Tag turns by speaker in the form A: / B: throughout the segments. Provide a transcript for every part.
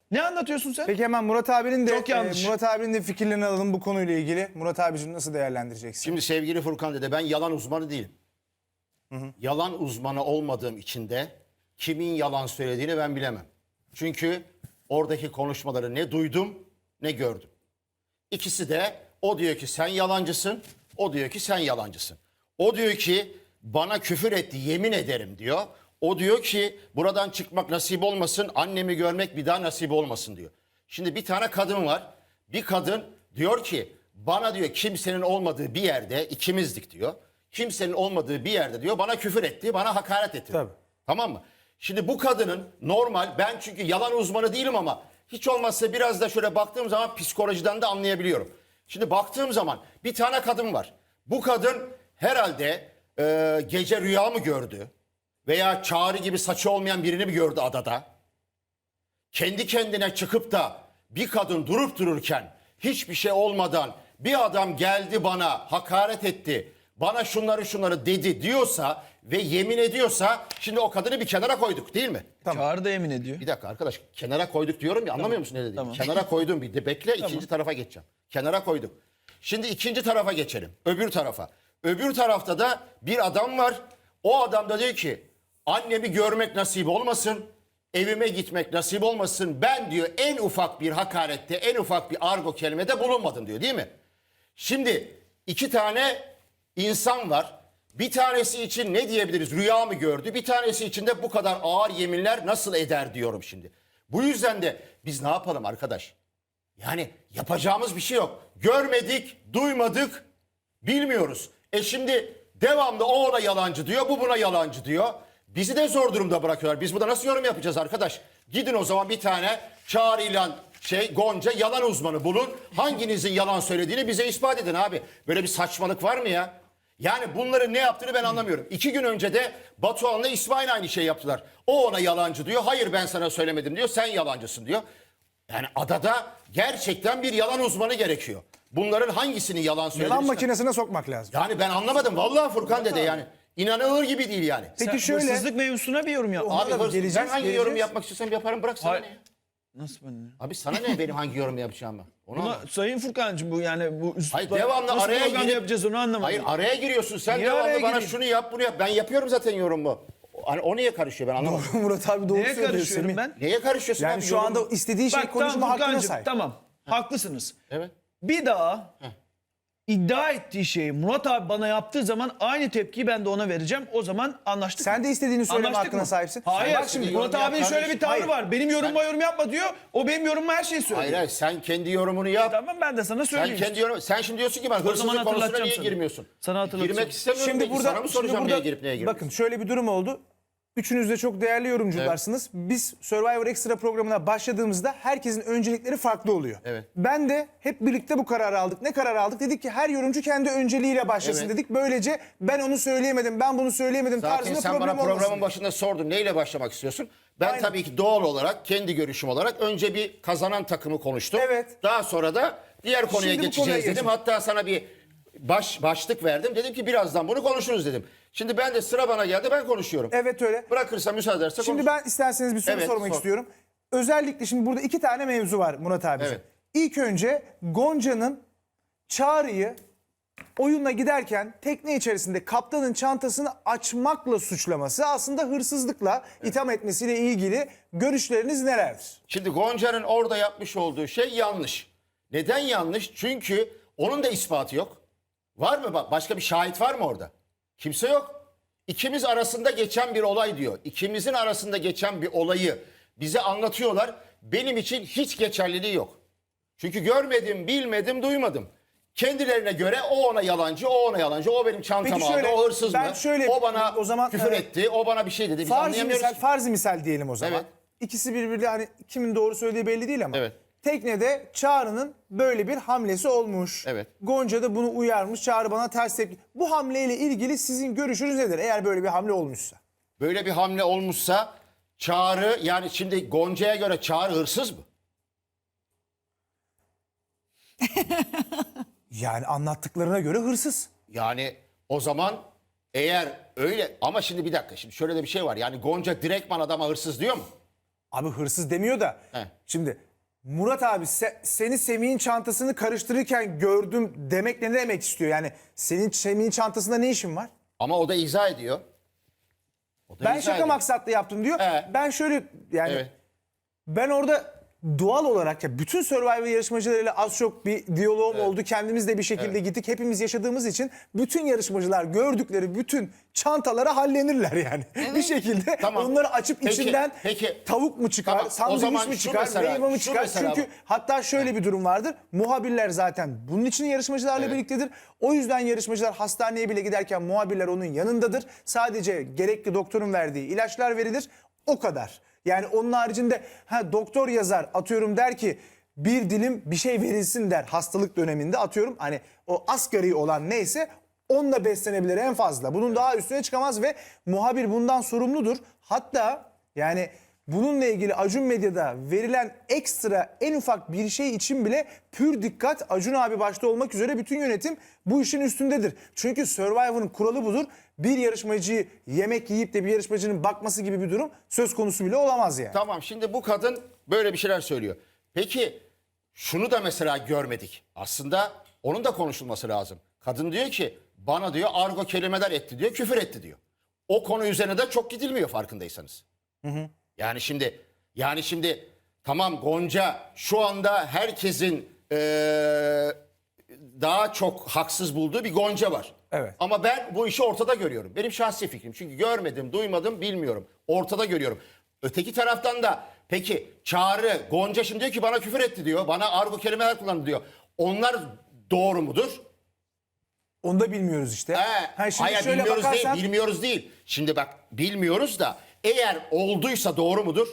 A: Ne anlatıyorsun sen?
B: Peki hemen Murat abinin de
A: Çok yanlış.
B: Murat abinin de fikirlerini alalım bu konuyla ilgili. Murat abicim nasıl değerlendireceksin?
C: Şimdi sevgili Furkan dede, ben yalan uzmanı değilim. Yalan uzmanı olmadığım için de kimin yalan söylediğini ben bilemem. Çünkü oradaki konuşmaları ne duydum ne gördüm. İkisi de o diyor ki sen yalancısın, o diyor ki sen yalancısın. O diyor ki bana küfür etti yemin ederim diyor. O diyor ki buradan çıkmak nasip olmasın, annemi görmek bir daha nasip olmasın diyor. Şimdi bir tane kadın var. Bir kadın diyor ki bana diyor kimsenin olmadığı bir yerde, ikimizdik diyor. Kimsenin olmadığı bir yerde diyor bana küfür etti, bana hakaret etti.
B: Tabii.
C: Tamam mı? Şimdi bu kadının normal, ben çünkü yalan uzmanı değilim ama hiç olmazsa biraz da şöyle baktığım zaman psikolojiden de anlayabiliyorum. Şimdi baktığım zaman bir tane kadın var. Bu kadın herhalde gece rüya mı gördü? Veya Çağrı gibi saçı olmayan birini mi gördü adada? Kendi kendine çıkıp da bir kadın durup dururken hiçbir şey olmadan bir adam geldi bana hakaret etti, bana şunları dedi diyorsa ve yemin ediyorsa şimdi o kadını bir kenara koyduk değil mi?
A: Çağrı da yemin ediyor.
C: Bir dakika arkadaş, kenara koyduk diyorum ya, anlamıyor musun ne dediğimi?
A: Tamam.
C: Kenara koydum, bir de bekle, ikinci tarafa geçeceğim. Kenara koyduk. Şimdi ikinci tarafa geçelim. Öbür tarafa. Öbür tarafta da bir adam var. O adam da diyor ki annemi görmek nasip olmasın. Evime gitmek nasip olmasın. Ben diyor en ufak bir hakarette, en ufak bir argo kelimede bulunmadım diyor değil mi? Şimdi iki tane insan var. Bir tanesi için ne diyebiliriz? Rüya mı gördü? Bir tanesi için de bu kadar ağır yeminler nasıl eder diyorum şimdi. Bu yüzden de biz ne yapalım arkadaş? Yani yapacağımız bir şey yok. Görmedik, duymadık, bilmiyoruz. Şimdi devamlı o ona yalancı diyor, bu buna yalancı diyor. Bizi de zor durumda bırakıyorlar. Biz burada nasıl yorum yapacağız arkadaş? Gidin o zaman bir tane Çağrı ile Gonca yalan uzmanı bulun. Hanginizin yalan söylediğini bize ispat edin abi. Böyle bir saçmalık var mı ya? Yani bunların ne yaptığını ben anlamıyorum. 2 gün önce de Batuhan'la İsmail aynı şey yaptılar. O ona yalancı diyor. Hayır ben sana söylemedim diyor. Sen yalancısın diyor. Yani adada gerçekten bir yalan uzmanı gerekiyor. Bunların hangisini yalan söylediğini...
B: Yalan makinesine sokmak lazım.
C: Yani ben anlamadım. Vallahi Furkan dede yani. İnanılır gibi değil yani.
B: Peki
A: Sen
B: şöyle
A: hırsızlık mevzusuna bir yorum yap.
C: Abi
B: da
C: ben hangi yorum
B: geleceğiz.
C: yapmak istiyorsam yaparım, bırak sana
A: Hayır.
C: ne ya?
A: Nasıl ben ya?
C: Abi sana ne benim hangi yorum yapacağımı? Onu
A: Buna,
C: anlamadım.
A: Sayın Furkancığım bu yani bu üslupla
C: Hayır devamlı
A: nasıl
C: araya
A: program
C: girip...
A: yapacağız onu anlamadım.
C: Hayır araya giriyorsun sen,
A: Niye
C: devamlı
A: araya
C: bana
A: gireyim?
C: şunu yap bunu yap. Ben yapıyorum zaten yorumu. Hani o niye karışıyor ben anlamadım.
B: Murat abi doğru
A: Neye
B: söylüyor
A: karışıyorum
B: Semih.
A: ben?
C: Neye karışıyorsun
B: Yani
C: abi?
B: şu
C: Yorum-
B: anda istediği şey
A: Bak
B: konuşma
A: tamam
B: hakkına
A: Furkancığım
B: sahip.
A: tamam. Haklısınız.
C: Evet.
A: Bir daha iddia ettiği şeyi Murat abi bana yaptığı zaman aynı tepkiyi ben de ona vereceğim. O zaman anlaştık
B: Sen
A: mı?
B: de istediğini söyleme
A: Anlaştık
B: hakkına
A: mı?
B: sahipsin.
A: Hayır.
B: Bak şimdi
A: Murat
C: yorum
A: abinin
C: yap
A: şöyle bir tavrı
B: kardeşim.
A: var. Benim yorumuma yorum yapma diyor. O benim yorumuma her şeyi söylüyor.
C: Hayır hayır sen kendi yorumunu yap.
A: Tamam ben de sana
C: Sen
A: söyleyeyim.
C: kendi yorum, sen şimdi diyorsun ki ben
A: zaman
C: hırsızlık konusuna
A: hatırlatacağım
C: niye
A: sana.
C: girmiyorsun?
A: Sana hatırlatacağım.
C: Girmek istemiyorum.
B: Şimdi
C: Peki,
B: burada,
C: sana mı soracağım
B: şimdi
C: neye girip neye girmiyorsun?
B: bakın şöyle bir durum oldu. Üçünüz de çok değerli yorumcularsınız. Biz Survivor Extra programına başladığımızda herkesin öncelikleri farklı oluyor.
C: Evet.
B: Ben de hep birlikte bu kararı aldık. Ne kararı aldık? Dedik ki her yorumcu kendi önceliğiyle başlasın
C: Evet.
B: dedik. Böylece ben onu söyleyemedim, ben bunu söyleyemedim
C: Zaten
B: tarzında
C: sen bana
B: problem
C: programın
B: olmasın.
C: başında sordun neyle başlamak istiyorsun? Ben
B: Aynen.
C: tabii ki doğal olarak kendi görüşüm olarak önce bir kazanan takımı konuştum.
B: Evet.
C: Daha sonra da diğer konuya
B: Şimdi bu
C: geçeceğiz
B: konuya
C: dedim.
B: geçelim.
C: Hatta sana bir başlık verdim. Dedim ki birazdan bunu konuşuruz dedim. Şimdi ben de sıra bana geldi, ben konuşuyorum.
B: Evet öyle.
C: Bırakırsa müsaade ederse
B: Şimdi ben isterseniz bir soru
C: Evet,
B: sormak
C: sor.
B: istiyorum. Özellikle şimdi burada 2 tane mevzu var Murat abiciğim.
C: Evet.
B: İlk önce Gonca'nın Çağrı'yı oyunla giderken tekne içerisinde kaptanın çantasını açmakla suçlaması, aslında hırsızlıkla itham etmesiyle ilgili görüşleriniz nelerdir?
C: Şimdi Gonca'nın orada yapmış olduğu şey yanlış. Neden yanlış? Çünkü onun da ispatı yok. Var mı? Bak başka bir şahit var mı orada? Kimse yok. İkimiz arasında geçen bir olay diyor. İkimizin arasında geçen bir olayı bize anlatıyorlar. Benim için hiç geçerliliği yok. Çünkü görmedim, bilmedim, duymadım. Kendilerine göre o ona yalancı, o ona yalancı, o benim çantamı
B: Peki şöyle,
C: aldı, o hırsız
B: ben
C: mı?
B: şöyle,
C: O bana
B: o zaman,
C: küfür etti, o bana bir şey dedi. Biz anlayamıyoruz.
B: Farzi misal diyelim o zaman.
C: Evet.
B: İkisi birbiriyle, hani kimin doğru söylediği belli değil ama.
C: Evet.
B: Teknede Çağrı'nın böyle bir hamlesi olmuş.
C: Evet.
B: Gonca da bunu uyarmış. Çağrı bana ters tepki. Bu hamleyle ilgili sizin görüşünüz nedir? Eğer böyle bir hamle olmuşsa.
C: Böyle bir hamle olmuşsa Çağrı, yani şimdi Gonca'ya göre Çağrı hırsız mı?
B: Yani anlattıklarına göre hırsız.
C: Yani o zaman eğer öyle, ama şimdi bir dakika, şimdi şöyle de bir şey var. Yani Gonca direktman adama hırsız diyor mu?
B: Abi hırsız demiyor da.
C: He.
B: Şimdi Murat abi seni Semih'in çantasını karıştırırken gördüm demek ne demek istiyor? Yani senin Semih'in çantasında ne işin var?
C: Ama o da izah ediyor. O da
B: Ben
C: izah
B: şaka
C: ediyor.
B: maksatlı yaptım diyor.
C: Evet.
B: Ben şöyle yani
C: Evet.
B: ben orada doğal olarak ya bütün Survivor yarışmacılarıyla az çok bir diyaloğum oldu. Kendimiz de bir şekilde gittik. Hepimiz yaşadığımız için bütün yarışmacılar gördükleri bütün çantalara hallenirler yani. Bir şekilde
C: Tamam.
B: onları açıp
C: Peki,
B: içinden
C: peki.
B: tavuk mu çıkar,
C: Tamam, o
B: sandviç
C: zaman
B: mi
C: şu
B: çıkar,
C: mesela,
B: meyve mi
C: şu
B: çıkar?
C: mesela
B: Çünkü
C: bu.
B: hatta şöyle bir durum vardır. Muhabirler zaten bunun için yarışmacılarla birliktedir. O yüzden yarışmacılar hastaneye bile giderken muhabirler onun yanındadır. Sadece gerekli doktorun verdiği ilaçlar verilir. O kadar. Yani onun haricinde doktor yazar atıyorum der ki bir dilim bir şey verilsin der hastalık döneminde atıyorum hani o asgari olan neyse onunla beslenebilir en fazla. Bunun daha üstüne çıkamaz ve muhabir bundan sorumludur. Hatta yani bununla ilgili Acun Medya'da verilen ekstra en ufak bir şey için bile pür dikkat Acun abi başta olmak üzere bütün yönetim bu işin üstündedir. Çünkü Survivor'ın kuralı budur. Bir yarışmacıyı yemek yiyip de bir yarışmacının bakması gibi bir durum söz konusu bile olamaz yani.
C: Tamam, şimdi bu kadın böyle bir şeyler söylüyor. Peki şunu da mesela görmedik. Aslında onun da konuşulması lazım. Kadın diyor ki bana diyor argo kelimeler etti diyor, küfür etti diyor. O konu üzerine de çok gidilmiyor farkındaysanız. Yani şimdi tamam, Gonca şu anda herkesin daha çok haksız bulduğu bir Gonca var.
B: Evet.
C: Ama ben bu işi ortada görüyorum. Benim şahsi fikrim. Çünkü görmedim, duymadım, bilmiyorum. Ortada görüyorum. Öteki taraftan da peki Çağrı, Gonca şimdi diyor ki bana küfür etti diyor. Bana argo kelimeler kullandı diyor. Onlar doğru mudur?
B: Onu da bilmiyoruz işte. Şimdi
C: Hayır,
B: şöyle
C: bilmiyoruz
B: bakarsan,
C: değil, bilmiyoruz değil. Şimdi bak, bilmiyoruz da eğer olduysa doğru mudur?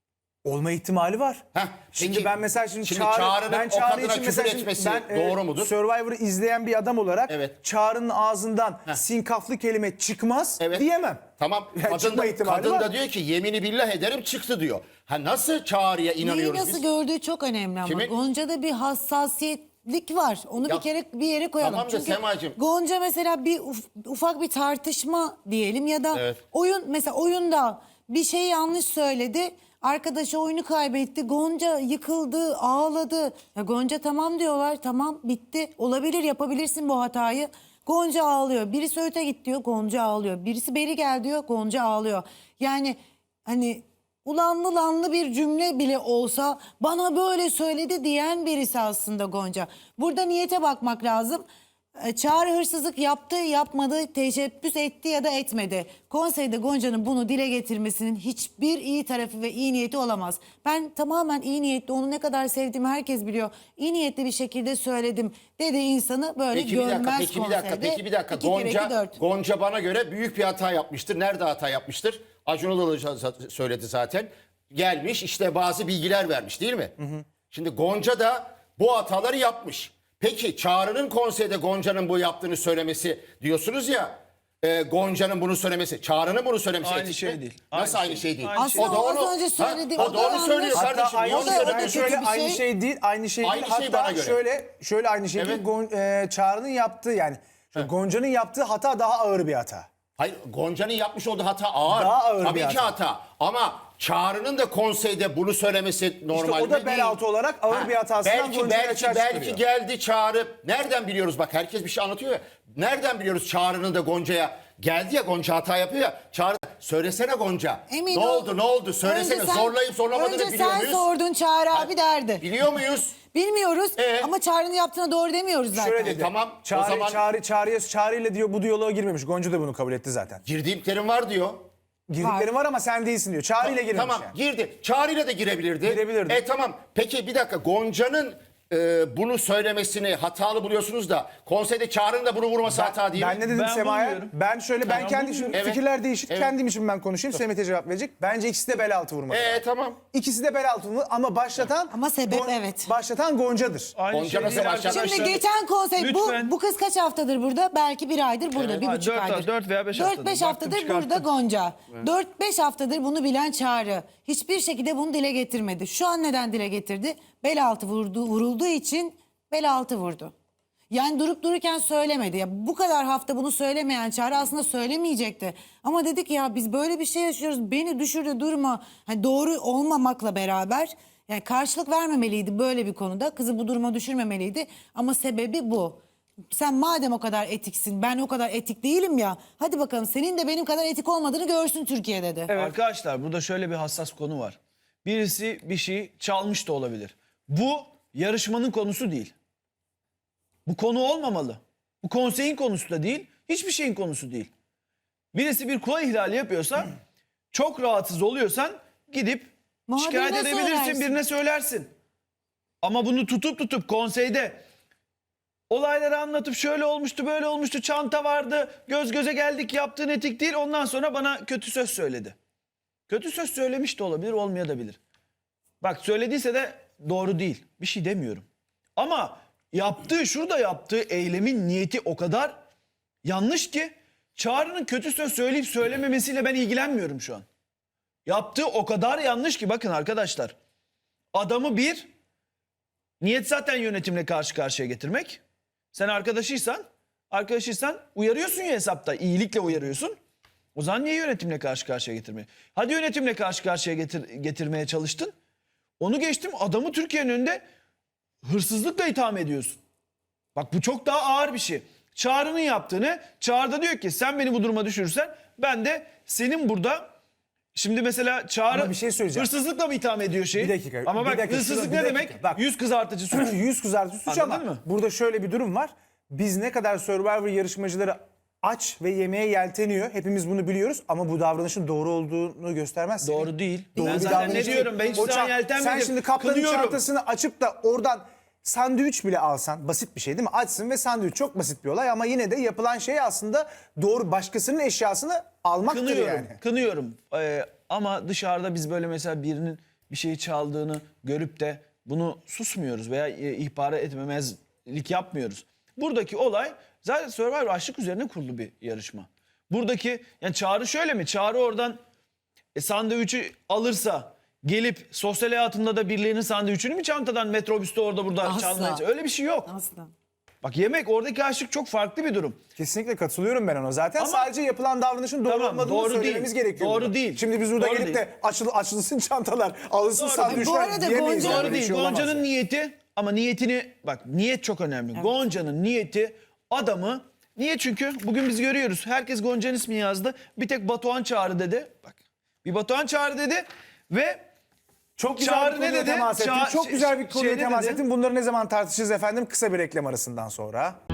B: olma ihtimali var.
C: Heh,
B: Şimdi
C: peki,
B: ben mesela
C: şimdi
B: Çağrı,
C: Çağrı'nın
B: ben
C: o
B: Çağrı
C: kadına
B: için
C: küfür
B: mesela
C: etmesi doğru mudur?
B: Survivor'ı izleyen bir adam olarak
C: Evet.
B: Çağrı'nın ağzından sinkaflı kelime çıkmaz
C: Evet.
B: diyemem.
C: Tamam.
B: Yani çıkma ihtimali
C: Kadın
B: var.
C: da diyor ki yemini billah ederim çıktı diyor. Ha, nasıl Çağrı'ya
D: Neyi
C: inanıyoruz
D: nasıl
C: biz?
D: gördüğü çok önemli ama.
C: Kimin?
D: Gonca'da bir hassasiyetlik var. Onu
C: Ya,
D: bir kere bir yere koyalım.
C: tamam da
D: Çünkü
C: Semacığım.
D: Gonca mesela bir ufak bir tartışma diyelim ya da
C: Evet.
D: mesela oyunda bir şey yanlış söyledi. Arkadaşı oyunu kaybetti. Gonca yıkıldı, ağladı. Ya Gonca tamam diyorlar. Tamam, bitti. Olabilir, yapabilirsin bu hatayı. Gonca ağlıyor. Birisi öte git diyor. Gonca ağlıyor. Birisi beri gel diyor. Gonca ağlıyor. Yani hani ulanlı lanlı bir cümle bile olsa bana böyle söyledi diyen birisi aslında Gonca. Burada niyete bakmak lazım. Çağrı hırsızlık yaptı, yapmadı, teşebbüs etti ya da etmedi. Konseyde Gonca'nın bunu dile getirmesinin hiçbir iyi tarafı ve iyi niyeti olamaz. Ben tamamen iyi niyetli, onu ne kadar sevdiğimi herkes biliyor. İyi niyetli bir şekilde söyledim dedi, insanı böyle
C: Peki bir dakika,
D: görmez
C: peki bir
D: konseyde.
C: dakika, peki bir dakika.
D: 2 kere 2 4.
C: Gonca bana göre büyük bir hata yapmıştır. Nerede hata yapmıştır? Acun Ilıcalı söyledi zaten. Gelmiş işte bazı bilgiler vermiş değil mi? Şimdi Gonca da bu hataları yapmış. Peki Çağrı'nın konseyde Gonca'nın bu yaptığını söylemesi diyorsunuz ya, Gonca'nın bunu söylemesi, Çağrı'nın bunu söylemesi
A: Aynı
C: etik
A: şey
C: mi?
A: değil.
C: Nasıl
A: Aynı
C: aynı
A: şey
C: şey değil?
A: değil.
D: Aslında
C: da
D: o az
C: onu-
D: önce söyledi,
C: Ha,
D: o
C: o
D: da
C: da onu
D: yanlış.
C: söylüyor
B: Hatta
C: kardeşim.
B: aynı
C: Niye
B: şey,
C: onu
D: o da
B: ben
C: söylüyor?
B: şöyle
D: kötü bir
B: aynı
D: şey.
B: şey değil, aynı şey
C: Aynı
B: değil.
C: şey
B: Hatta
C: bana göre.
B: şöyle aynı şey
C: Evet.
B: değil. Çağrı'nın yaptığı yani Gonca'nın yaptığı hata daha ağır bir hata.
C: Hayır, Gonca'nın yapmış olduğu hata ağır.
B: Daha ağır
C: Tabii
B: bir
C: ki
B: hata.
C: hata. Ama Çağrı'nın da konseyde bunu söylemesi normal
B: İşte o da
C: mi?
B: bel
C: Değil.
B: altı olarak ağır bir hatasından Gonca'yı
C: belki
B: açığa çıkarıyor.
C: geldi Çağrı. Nereden biliyoruz, bak herkes bir şey anlatıyor ya. Nereden biliyoruz Çağrı'nın da Gonca'ya geldi ya, Gonca hata yapıyor ya. Çağrı söylesene Gonca.
D: Emin
C: ne
D: ol.
C: oldu söylesene.
D: Önce
C: Zorlayıp zorlamadığını
D: önce
C: biliyor
D: sen
C: muyuz?
D: sordun, Çağrı abi derdi.
C: Biliyor muyuz?
D: Bilmiyoruz ama Çağrı'nın yaptığına doğru demiyoruz zaten.
B: Şöyle dedi.
C: Tamam, o
B: Çağrı,
C: zaman-
B: Çağrı ile diyor bu diyaloğa girmemiş. Gonca da bunu kabul etti zaten.
C: Girdiğim var diyor.
B: Girdiklerim var ama sen değilsin diyor. Çağrı ile girmemiş
C: Tamam,
B: yani.
C: girdi. Çağrı'yla da girebilirdi.
B: Girebilirdi.
C: Tamam. Peki bir dakika, Gonca'nın bunu söylemesini hatalı buluyorsunuz da konseyde Çağrı'nın da bunu vurması hata değil mi?
B: Ben ne dedim
A: Ben
B: Sema'ya?
A: bulmuyorum.
B: Ben şöyle ben kendi şimdi
C: Evet.
B: fikirler değişir.
C: Evet.
B: Kendim için ben konuşayım. Semih'e cevap verecek. Bence ikisi de bel altı vurmalı.
C: Tamam.
B: İkisi de bel altı vurmalı ama başlatan
D: Ama sebep evet.
B: Başlatan Gonca'dır.
A: Aynı
C: Gonca
A: şey
C: nasıl
A: değil
C: başladı?
A: arkadaşlar.
D: Şimdi geçen konsey
A: Lütfen.
D: bu kız kaç haftadır burada? Belki bir aydır burada,
C: Evet.
D: bir
A: Ha,
D: buçuk
A: dört-
D: aydır.
A: dört veya beş haftadır.
D: 4-5
A: Baktım,
D: haftadır
A: çıkarttım.
D: burada Gonca. 4-5 haftadır bunu bilen Çağrı. Hiçbir şekilde bunu dile getirmedi. Şu an neden dile getirdi? Bel altı vurulduğu için bel altı vurdu. Yani durup dururken söylemedi. Ya bu kadar hafta bunu söylemeyen Çağrı aslında söylemeyecekti. Ama dedi ki ya biz böyle bir şey yaşıyoruz. Beni düşürdü durma. Hani doğru olmamakla beraber yani karşılık vermemeliydi böyle bir konuda. Kızı bu duruma düşürmemeliydi. Ama sebebi bu. Sen madem o kadar etiksin, ben o kadar etik değilim ya. Hadi bakalım senin de benim kadar etik olmadığını görsün Türkiye dedi.
A: Arkadaşlar burada şöyle bir hassas konu var. Birisi bir şey çalmış da olabilir. Bu yarışmanın konusu değil. Bu konu olmamalı. Bu konseyin konusu da değil. Hiçbir şeyin konusu değil. Birisi bir kural ihlali yapıyorsa çok rahatsız oluyorsan gidip
D: Muhabirine
A: şikayet edebilirsin,
D: söylersin.
A: birine söylersin. Ama bunu tutup konseyde olayları anlatıp şöyle olmuştu böyle olmuştu çanta vardı göz göze geldik yaptığın etik değil ondan sonra bana kötü söz söyledi. Kötü söz söylemiş de olabilir olmayabilir. Bak söylediyse de doğru değil bir şey demiyorum. Ama şurada yaptığı eylemin niyeti o kadar yanlış ki Çağrı'nın kötü söz söyleyip söylememesiyle ben ilgilenmiyorum şu an. Yaptığı o kadar yanlış ki bakın arkadaşlar. Adamı niyet zaten yönetimle karşı karşıya getirmek. Sen arkadaşıysan uyarıyorsun ya hesapta. İyilikle uyarıyorsun. O zaman niye yönetimle karşı karşıya getirmeye? Hadi yönetimle karşı karşıya getirmeye çalıştın. Onu geçtim adamı Türkiye'nin önünde hırsızlıkla itham ediyorsun. Bak bu çok daha ağır bir şey. Çağrı'nın yaptığını Çağrı da diyor ki sen beni bu duruma düşürürsen ben de senin burada şimdi mesela Çağrı
B: Ama bir şey söyleyeceğim.
A: hırsızlıkla mı itham ediyor şeyi?
B: Bir dakika,
A: Ama
B: bir
A: bak
B: dakika,
A: hırsızlık
B: bir
A: ne
B: dakika.
A: demek?
B: Bak.
A: Yüz kızartıcı suç.
B: Yüz kızartıcı suç
A: Anladın
B: ama
A: mı?
B: burada şöyle bir durum var. Biz ne kadar Survivor yarışmacıları aç ve yemeğe yelteniyor. Hepimiz bunu biliyoruz ama bu davranışın doğru olduğunu göstermez.
A: Doğru değil.
B: Doğru
A: Ben
B: bir
A: zaten
B: davranış
A: ne
B: değil.
A: diyorum? Ben hiçbir
B: O
A: zaman
B: çan-
A: yeltenmedim.
B: Sen şimdi kaplanın
A: Kınıyorum.
B: çantasını açıp da oradan sandviç bile alsan basit bir şey değil mi? Açsın ve sandviç çok basit bir olay ama yine de yapılan şey aslında doğru başkasının eşyasını almaktır
A: Kınıyorum.
B: yani.
A: Kınıyorum. Ama dışarıda biz böyle mesela birinin bir şeyi çaldığını görüp de bunu susmuyoruz veya ihbar etmemezlik yapmıyoruz. Buradaki olay zaten Survivor aşk üzerine kurulu bir yarışma. Buradaki yani Çağrı şöyle mi? Çağrı oradan sandviçi alırsa gelip sosyal hayatında da birilerinin sandviçini mi çantadan metrobüste orada burada
D: Asla.
A: çalmaya? Öyle bir şey yok.
D: Asla.
A: Bak yemek oradaki aşık çok farklı bir durum.
B: Kesinlikle katılıyorum ben ona zaten.
A: Ama-
B: Sadece yapılan davranışın doğru
A: Tamam,
B: olmadığını
A: doğru
B: söylememiz
A: değil.
B: gerekiyor.
A: Doğru
B: burada.
A: değil.
B: Şimdi biz burada
A: Doğru
B: gelip
A: değil.
B: de açılsın çantalar, alınsın
A: Doğru.
B: sandviçler
D: Bu arada
B: diyemeyiz.
D: Gonca-
B: yani.
A: Doğru
B: Böyle bir
A: değil.
B: şey olamaz
A: Gonca'nın
B: yani.
A: niyeti ama niyetini bak niyet çok önemli. Gonca'nın niyeti adamı niye çünkü bugün biz görüyoruz. Herkes Gonca'nın ismini yazdı. Bir tek Batuhan Çağrı dedi. Bak bir Batuhan Çağrı dedi ve
B: Çok güzel
A: Çağrı
B: bir
A: ne
B: konuya
A: dedi?
B: temas ettin.
A: Çağ-
B: Çok güzel bir konuya
A: şey ne
B: temas
A: dedi?
B: ettin. Bunları ne zaman tartışacağız efendim? Kısa bir reklam arasından sonra.